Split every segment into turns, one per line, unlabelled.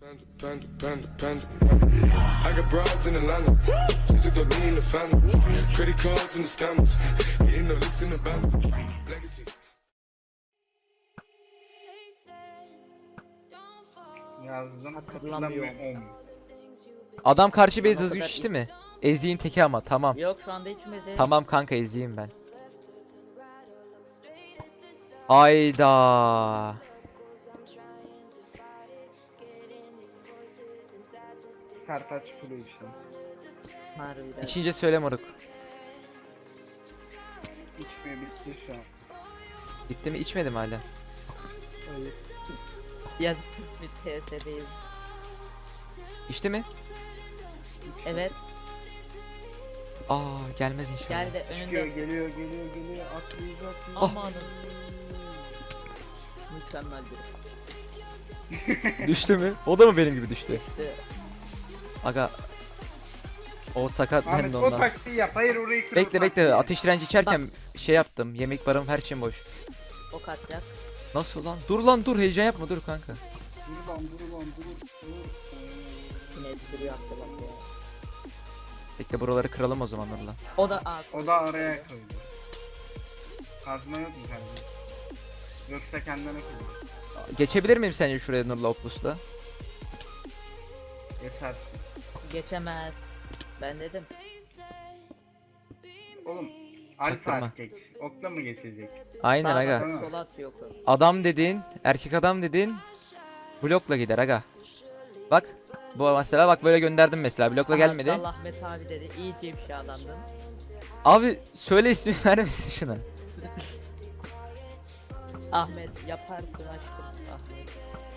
I got broads in Atlanta, just to throw me in the family. Credit cards and the scammers, getting no licks in the van. Legacies.
Yazdım.
Hatırlamıyorum.
Adam karşı base
O
hızlı
kadar
içti mi? Ezik'in teki ama tamam.
Yok şu anda içmedi.
Tamam kanka eziyim ben. Ayda.
Sertaç Kulu işte.
Harbiden.
İçince söyle moruk.
İçmiyor, bitti şu an.
Bitti mi? İçmedim hala.
Hayır.
Ya biz TS'deyiz.
İçti mi?
Evet
Aa gelmez inşallah.
geldi
Çıkıyor,
önünde.
geliyor. Atlayacak.
Amanın. Mükemmel bir.
Düştü mü? O da mı benim gibi düştü?
İşte
Aga. O sakat ben
Ahmet
de
o
ondan.
taktiği yap. Hayır orayı kırıl.
Bekle ateş direnci içerken şey yaptım. Yemek barım her şeyim boş.
ok atacak.
Nasıl lan? Dur lan dur heyecan yapma dur kanka.
Dur lan.
Yine espri yaptı bak ya.
Bekle buraları kıralım o zaman Nurla.
O da
O da araya koydu. Kazma yok mu kardeşim? Yoksa kendine koydu.
Geçebilir miyim sence şuraya Nurla Oplus'ta?
Yeter.
geçemez. Ben dedim.
Oğlum. Alfa
Çaktırma.
at geç. Okla mı geçecek?
Aynen
Sağa
aga.
bak, sola atıyor oku.
Adam dediğin, erkek adam dediğin blokla gider aga. Bak. Bu mesela bak böyle gönderdim mesela blokla gelmedi.
Allah Ahmet abi dedi. İyice bir şey adamdın.
Abi söyle ismi vermesin şuna.
Ahmet yaparsın aşkım. Ahmet.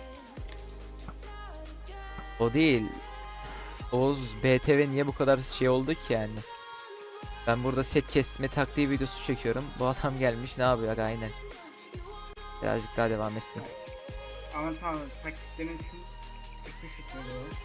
O değil. Oğuz BTV niye bu kadar şey oldu ki yani? Ben burada set kesme taktiği videosu çekiyorum. Bu adam gelmiş ne yapıyor aga aynen. Birazcık daha devam etsin.
Ama tamam taktiklerin için ciddi şekilde var.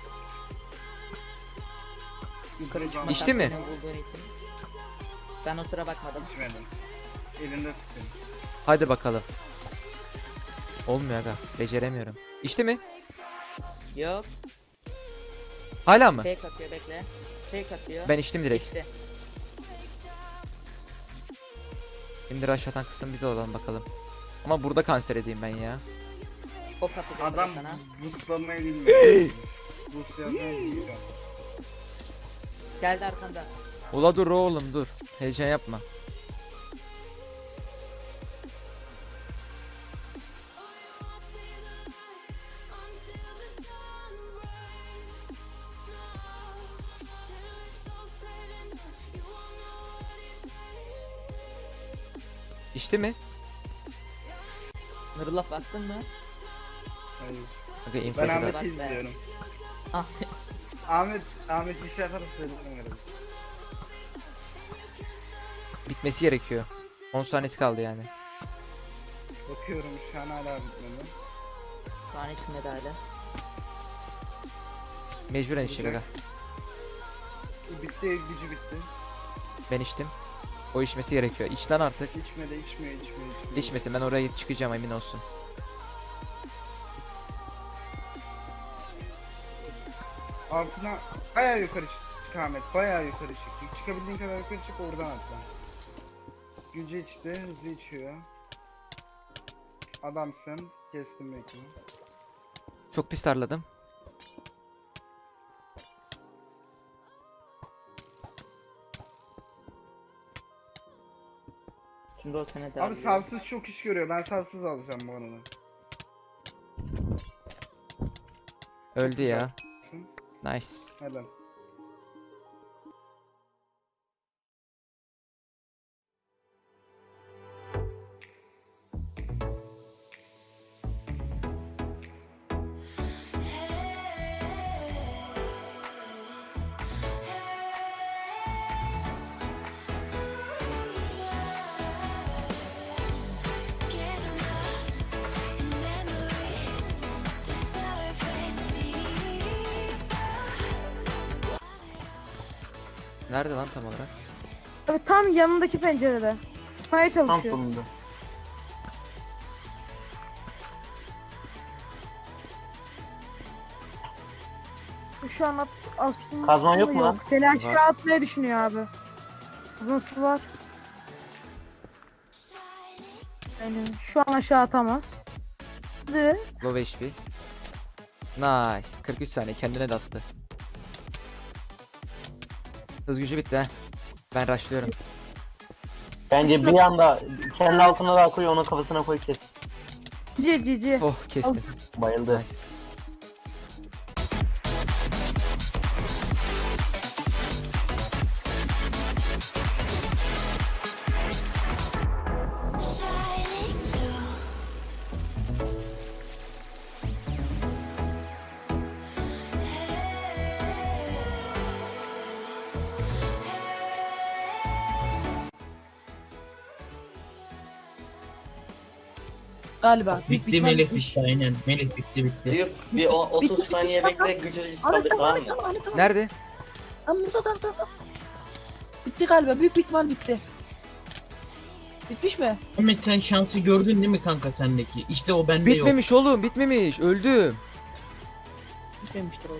Yukarı çıkmak
İçti mi?
hakkını bulduğun için. Ben o sıra bakmadım.
İçmedim. Elinde tuttum.
Hadi bakalım. Olmuyor aga. Beceremiyorum. İçti mi?
Yok.
Hala mı?
Fake atıyor bekle. Fake atıyor.
Ben içtim direkt.
İşte.
Şimdi rush atan kısım bize olan bakalım. Ama burada kanser edeyim ben ya.
O kapıda
Adam
sana.
buslamayı bilmiyor. Bus yazmayı bilmiyor.
Geldi arkanda.
Ula dur oğlum dur. Heyecan yapma. İçti mi?
Nurullah baktın mı?
Hayır.
Aga
Ben
infocu da.
Bak
Ahmet'i
be.
izliyorum.
Ahmet.
Ahmet bir şey yaparsa söylerim.
Bitmesi gerekiyor. 10 saniyesi kaldı yani.
Bakıyorum şu an hala bitmedi.
Şu an içmedi hala.
Mecburen içecek aga.
Bitti, gücü bitti.
Ben içtim. O içmesi gerekiyor. İç lan artık.
İçmedi, içmiyor.
İçmesin ben oraya çıkacağım emin olsun.
Altına bayağı yukarı çık Ahmet, bayağı yukarı çık. Çıkabildiğin kadar yukarı çık, oradan atla. Gücü içti, hızlı içiyor. Adamsın, kestim bekle.
Çok pis tarladım.
Şimdi o sene devam
Abi
ediyor.
savsız çok iş görüyor, ben savsız alacağım bu arada.
Öldü ya. Nice.
Helal.
Nerede lan tam olarak?
Abi tam yanındaki pencerede. Çıkmaya çalışıyor. Şu an aslında
Kazman yok mu lan?
Seni aşağı atmayı düşünüyor abi. Kazması var. Yani şu an aşağı atamaz. Hadi.
Low HP. Nice. 43 saniye kendine de attı. Hız gücü bitti ha. Ben rushlıyorum.
Bence bir anda kendi altına da koy, onun kafasına koy, kes.
Cici.
Oh kestim.
Bayıldı.
Nice.
Galiba.
Bitti Melih bitti aynen. Melih bitti.
Bir 30 saniye bekle, gücünü saldır, tamam mı?
Nerede?
Tamam burada da. Bitti galiba. Büyük bir ihtimal bitti. Bitmiş mi?
Ahmet sen şansı gördün değil mi kanka sendeki? İşte o bende yok.
Bitmemiş oğlum, bitmemiş. Öldüm.
Bitmemiştir o.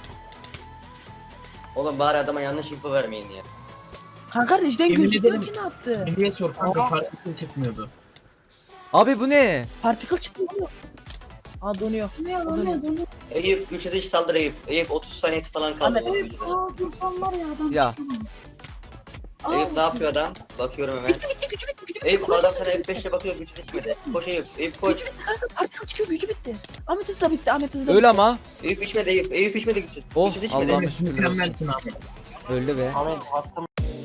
Oğlum bari adama yanlış info vermeyin ya.
Kanka Rejden
Yemin
gözüküyor
ederim.
ki ne yaptı?
Melih'e sor kanka farklı çıkmıyordu.
Abi bu ne?
Particle çıkıyor mu? Aa donuyor. Donuyor.
Eyüp güçlü saldır Eyüp. Eyüp 30 saniyesi falan kaldı.
Ahmet,
onun gücüne.
Ya
Eyüp ne yapıyor adam? Bakıyorum hemen.
Bitti gücü bitti.
Eyüp adam sana F5 ile bakıyor, güçlü içmedi. Koş Eyüp. Eyüp koş.
Gücü bitti kanka. Particle çıkıyor gücü bitti. Ahmet hızı da bitti. Ahmet hızı da
öl
bitti.
ama.
Eyüp içmedi Eyüp. Eyüp içmedi güçlü.
Oh
Güçlü içmedi.
Allah'ım şükürler olsun.
Mükemmelsin Ahmet.
Öldü be.
Ahmet attım.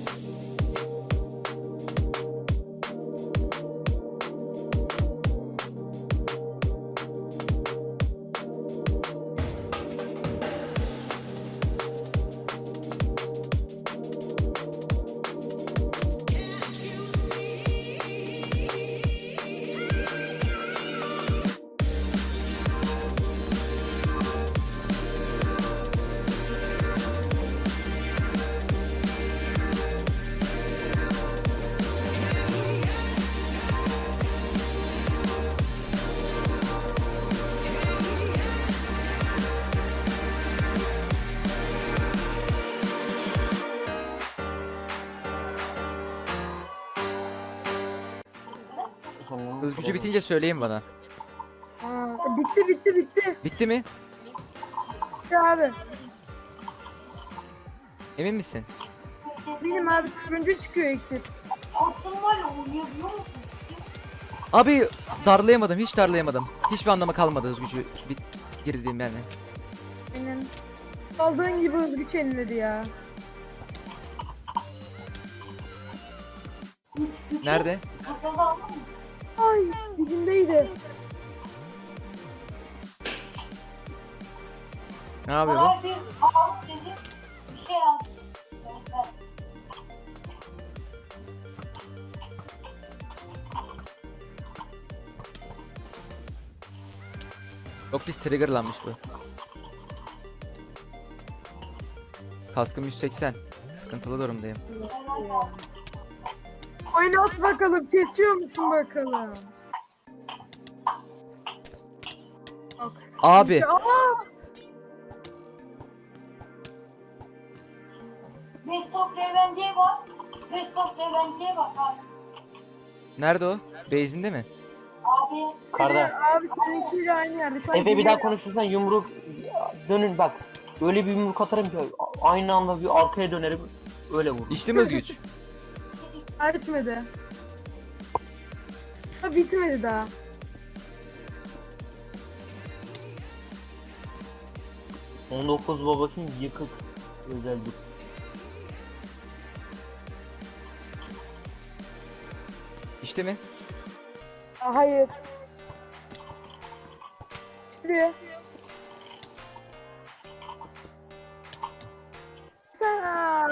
Hız gücü bitince söyleyin bana.
Bitti.
Bitti mi?
Bitti abi.
Emin misin?
Benim abi turuncu çıkıyor iksir.
Abi darlayamadım, hiç darlayamadım. Hiçbir anlamı kalmadı hız gücü girdiğim yani.
Benim. Aldığın gibi hız güç yeniledi ya.
Nerede?
Ay dibindeydi.
Ne yapıyor bu? Çok pis triggerlanmış bu. Kaskım 180. Sıkıntılı durumdayım.
Oynat bakalım, kesiyor musun bakalım?
Abi.
Aa!
Bestop Revenge'ye bak. Bestop Revenge'ye bak abi.
Nerede o? Base'inde mi?
Abi.
Karda.
Abi seninkiyle aynı yerde. Şu an
Efe bir daha konuşursan yumruk dönün bak. Öyle bir yumruk atarım ki aynı anda bir arkaya dönerim, öyle vur.
İçti mi hız güç?
Açmadı. Ha bitmedi daha.
...19 babasının yıkık özellik.
İçti mi?
Hayır. İstiyor. Sen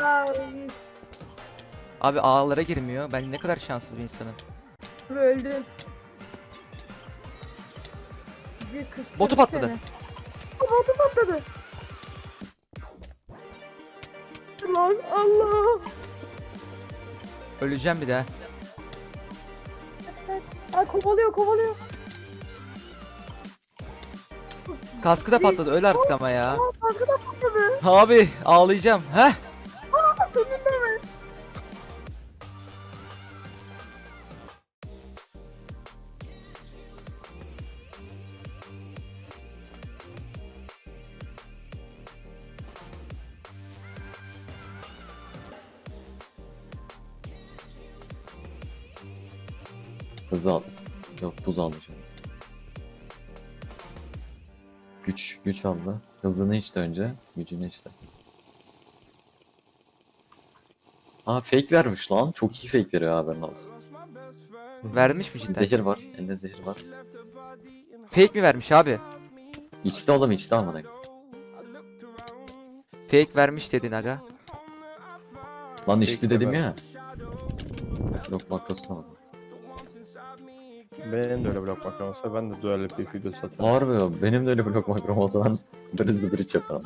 Abi ağlara girmiyor. Ben ne kadar şanssız bir insanım.
öldün.
Botu patladı.
Botu patladı. Lan Allah.
Öleceğim bir daha.
Ay kovalıyor.
Kaskı da patladı. Öl artık ama ya.
Kaskı da patladı.
Abi ağlayacağım. Heh.
Senin de mi?
Hız al. Yok buz alacağım. Güç aldı. Hızını içti önce. Gücünü içti. Aa fake vermiş lan. Çok iyi fake veriyor haberin olsun.
Vermiş mi cidden?
Zehir var. Elinde zehir var.
Fake mi vermiş abi?
İçti oğlum içti amına.
Fake vermiş dedin aga.
Lan içti dedim ya. Yok makrosunu aldım.
Benim de öyle blok makram olsa ben de dual bir video satarım.
Harbi ya. Benim de öyle blok makrom olsa ben hızlı bridge yaparım.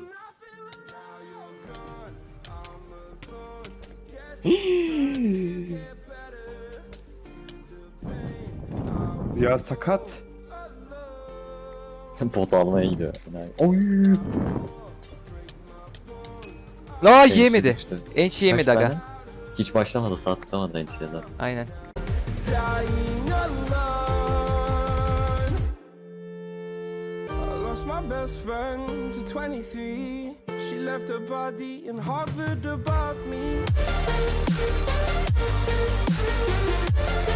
Ya sakat.
Pot almaya gidiyor. Oy.
La
Enchi
yemedi.
düştü.
Enchi yemedi
Kaç
aga.
tane? Hiç başlamadı. Saat tutamadı Enchi'ye zaten.
Aynen.
My best friend to 23. She left her body in Harvard above me.